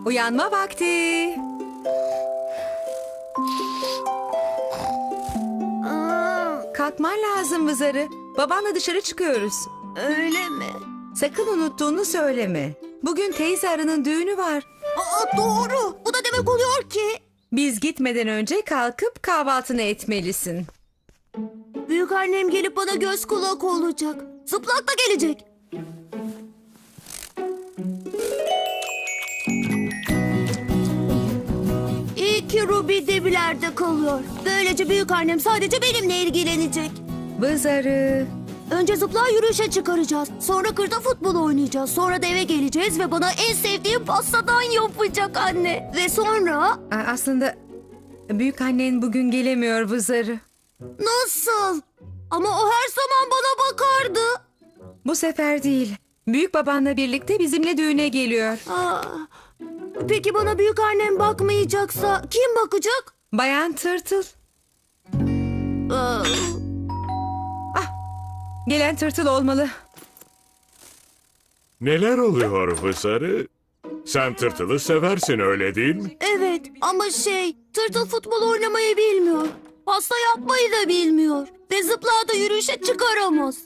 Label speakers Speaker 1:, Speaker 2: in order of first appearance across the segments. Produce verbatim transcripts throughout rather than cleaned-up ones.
Speaker 1: Uyanma vakti.
Speaker 2: Aa,
Speaker 1: Kalkman lazım Vızarı. Babanla dışarı çıkıyoruz.
Speaker 2: öyle mi?
Speaker 1: Sakın unuttuğunu söyleme. Bugün teyze arının düğünü var.
Speaker 2: Aa, doğru. Bu da demek oluyor ki
Speaker 1: Biz gitmeden önce kalkıp kahvaltını etmelisin.
Speaker 2: büyük annem gelip bana göz kulak olacak. Zıplak da gelecek. İyi ki Ruby Debiler'de kalıyor. Böylece büyük annem sadece benimle ilgilenecek.
Speaker 1: Vızarı.
Speaker 2: Önce zıplağı yürüyüşe çıkaracağız. Sonra kırda futbol oynayacağız. Sonra da eve geleceğiz ve bana en sevdiğim pastadan yapacak anne. Ve sonra
Speaker 1: Aa, Aslında büyük annen bugün gelemiyor Vızarı.
Speaker 2: nasıl? Ama o her zaman bana bakardı.
Speaker 1: Bu sefer değil. Büyük babanla birlikte bizimle düğüne geliyor.
Speaker 2: Aa, peki bana büyük annem bakmayacaksa kim bakacak?
Speaker 1: Bayan Tırtıl.
Speaker 2: Aa,
Speaker 1: Gelen Tırtıl olmalı.
Speaker 3: Neler oluyor Vızarı? Sen tırtılı seversin öyle değil mi?
Speaker 2: evet ama şey tırtıl futbol oynamayı bilmiyor. Pasta yapmayı da bilmiyor. Ve zıplağı da yürüyüşe çıkaramaz.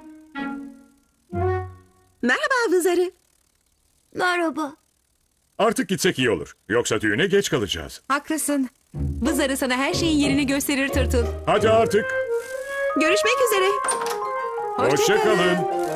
Speaker 1: Merhaba Vızarı.
Speaker 2: Merhaba.
Speaker 3: Artık gitsek iyi olur. Yoksa düğüne geç kalacağız.
Speaker 1: Haklısın. Vızarı sana her şeyin yerini gösterir Tırtıl.
Speaker 3: Hadi artık.
Speaker 1: Görüşmek üzere.
Speaker 3: Hoşça kalın.